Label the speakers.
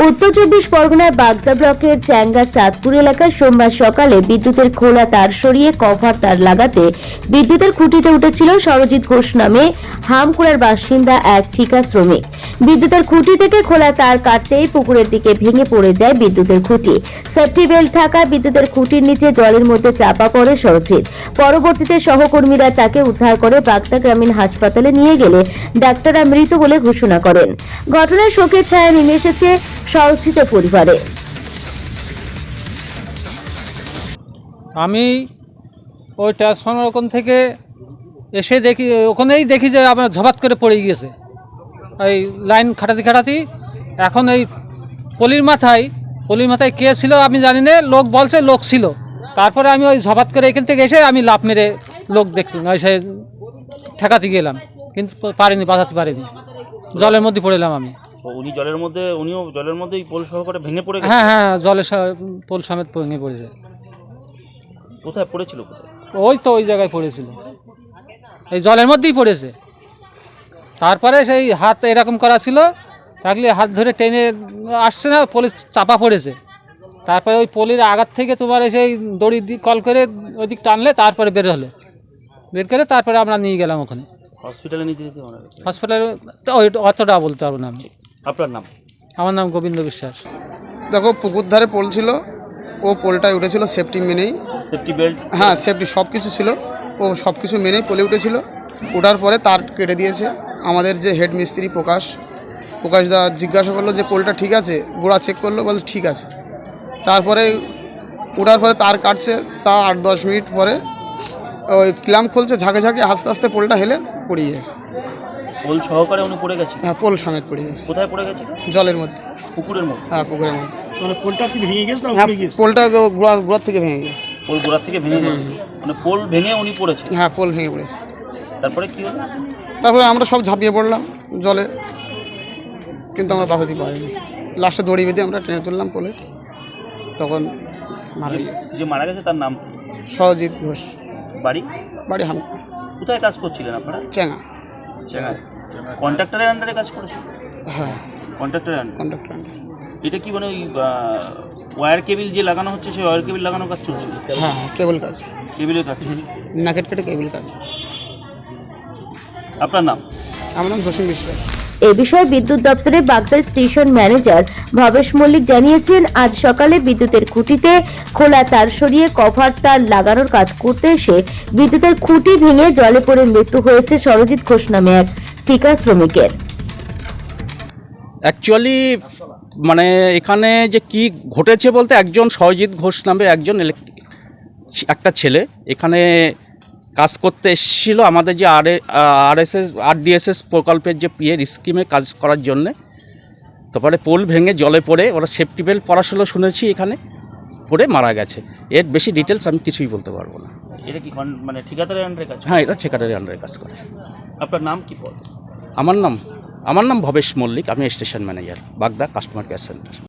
Speaker 1: উত্তর চব্বিশ পরগনার বাগদা ব্লকের চ্যাঙ্গা চাঁদপুর এলাকায় সোমবার সকালে বিদ্যুতের খোলা তার সরিয়ে কভার তার লাগাতে বিদ্যুতের খুঁটিতে উঠেছিল সরজিৎ ঘোষ নামে হামকুড়ার বাসিন্দা এক ঠিকা শ্রমিক। বিদ্যুতের খুঁটি থেকে খোলা তার কাটতেই পুকুরের দিকে ভেঙে পড়ে যায় বিদ্যুতের খুঁটি। সেফটি বেল্ট থাকায় বিদ্যুতের খুঁটির নিচে জলের মধ্যে চাপা পড়ে সরজিৎ। পরবর্তীতে সহকর্মীরা তাকে উদ্ধার করে বাগদা গ্রামীণ হাসপাতালে নিয়ে গেলে ডাক্তাররা মৃত বলে ঘোষণা করেন। ঘটনায় শোকের ছায়া নেমে এসেছে সরজিৎ পরিবারে।
Speaker 2: আমি ওই ট্রান্সফরমার ওখান থেকে এসে দেখি, ওখানেই দেখি যে আমার ঝপাত করে পড়ে গিয়েছে। এই লাইন খাটাতি এখন এই পলির মাথায় কে ছিল আমি জানি না, লোক বলছে লোক ছিল। তারপরে আমি ওই ঝপাত করে এখান থেকে এসে আমি লাফ মেরে লোক দেখলাম, এসে ঠেকাতে গেলাম, কিন্তু বাঁচাতে পারিনি, জলের মধ্যে পড়েলাম আমি।
Speaker 3: উনিও জলের মধ্যেই পোল সহকারে ভেঙে পড়ে গেছে।
Speaker 2: হ্যাঁ, জলের পোল সমেত ভেঙে পড়েছে।
Speaker 3: কোথায় পড়েছিল?
Speaker 2: ওই তো ওই জায়গায় পড়েছিল, এই জলের মধ্যেই পড়েছে। তারপরে সেই হাত এরকম করা ছিল, থাকলে হাত ধরে টেনে আসছে না, পলি চাপা পড়েছে। তারপরে ওই পলির আঘাত থেকে তোমার সেই দড়ি কল করে ওই দিক টানলে তারপরে বের করে তারপরে আমরা নিয়ে গেলাম ওখানে
Speaker 3: হসপিটালে নিয়ে যেতে।
Speaker 2: হসপিটালে ওই অতটা বলতে পারবো না আমি।
Speaker 3: আপনার নাম?
Speaker 2: আমার নাম গোবিন্দ বিশ্বাস।
Speaker 4: দেখো, পুকুর ধারে পোল ছিল, ও পোলটায় উঠেছিল সেফটি মেনেই।
Speaker 3: Safety belt?
Speaker 4: হ্যাঁ, সেফটি সব কিছু ছিল, ও সব কিছু মেনেই পোলে উঠেছিল। ওঠার পরে তার কেটে দিয়েছে। আমাদের যে হেড মিস্ত্রি প্রকাশদা জিজ্ঞাসা করলো যে পোলটা ঠিক আছে, গোড়া চেক করলো, বলে ঠিক আছে। তারপরে ওঠার পরে তার কাটছে, তা 8-10 মিনিট পরে ওই ক্ল্যাম্প খুলছে, ঝাঁকে আস্তে আস্তে পোলটা হেলে পড়ে গেছে।
Speaker 3: পোল সহকারে উনি পড়ে গেছে?
Speaker 4: হ্যাঁ, পোল সমেত পড়ে গেছে।
Speaker 3: কোথায় পড়ে গেছে?
Speaker 4: জলের মধ্যে।
Speaker 3: পুকুরের মধ্যে?
Speaker 4: হ্যাঁ, পুকুরের মধ্যে।
Speaker 5: মানে পোলটা কি ভেঙে গেছে?
Speaker 4: হ্যাঁ, পোলটা গোড়া থেকে ভেঙে গেছে।
Speaker 3: পোল গোড়া থেকে ভেঙে গেছে, মানে পোল ভেঙে উনি পড়েছে?
Speaker 4: হ্যাঁ, পোল ভেঙে পড়েছে।
Speaker 3: তারপরে কি হলো?
Speaker 4: তারপরে আমরা সব ঝাঁপিয়ে পড়লাম জলে, কিন্তু আমরা বাঁচাতে পারিনি। লাস্টে দড়ি বেঁধে আমরা টেনে তুললাম পোলে, তখন মারা গেছে।
Speaker 3: যে মারা গেছে তার নাম?
Speaker 4: সরজিৎ ঘোষ।
Speaker 3: বাড়ি
Speaker 4: হাম।
Speaker 3: কোথায় কাজ করছিলেন আপনারা?
Speaker 4: চেঙ্গা।
Speaker 3: কন্ট্রাক্টরের আন্ডারে কাজ করেছিল?
Speaker 4: হ্যাঁ,
Speaker 3: কন্ট্রাক্টরের আন্ডারে।
Speaker 4: কন্ট্রাক্টর।
Speaker 3: এটা কি মানে ওই ওয়্যার কেবিল যে লাগানো হচ্ছে, সেই ওয়্যার কেবিল লাগানোর কাজ চলছিল?
Speaker 4: হ্যাঁ, কেবল কাজ,
Speaker 3: কেবিলের কাজ।
Speaker 4: নাকেট কেটে কেবল কাজ।
Speaker 3: আপনার নাম?
Speaker 4: আমার নাম জসিম বিশ্বাস।
Speaker 1: এ বিষয়ে বিদ্যুৎ দপ্তরের বাগদা স্টেশন ম্যানেজার ভবেশ মল্লিক জানিয়েছেন, আজ সকালে বিদ্যুতের খুঁটিতে খোলা তার সরিয়ে কভার তার লাগানোর কাজ করতে এসে বিদ্যুতের খুঁটি ভেঙে জলে পড়ে মৃত্যু হয়েছে সরজিৎ ঘোষ নামে এক ঠিকা শ্রমিকের।
Speaker 6: অ্যাকচুয়ালি মানে এখানে যে কি ঘটেছে বলতে, একজন সরজিৎ ঘোষ নামে একজন একটা ছেলে এখানে কাজ করতে এসেছিলো আমাদের যে আরডিএসএস প্রকল্পের যে পিএর স্কিমে কাজ করার জন্যে। তারপরে পোল ভেঙে জলে পড়ে, ওরা সেফটি বেল্ট পরা ছিল শুনেছি, এখানে পড়ে মারা গেছে। এর বেশি ডিটেলস আমি কিছুই বলতে পারবো না।
Speaker 3: এটা কি মানে ঠিকাদারের আন্ডারে কাজ?
Speaker 6: হ্যাঁ, এটা ঠিকাদারের আন্ডারে কাজ করে।
Speaker 3: আপনার নাম কি পদ?
Speaker 6: আমার নাম ভবেশ মল্লিক, আমি station manager, Bagda customer care centre.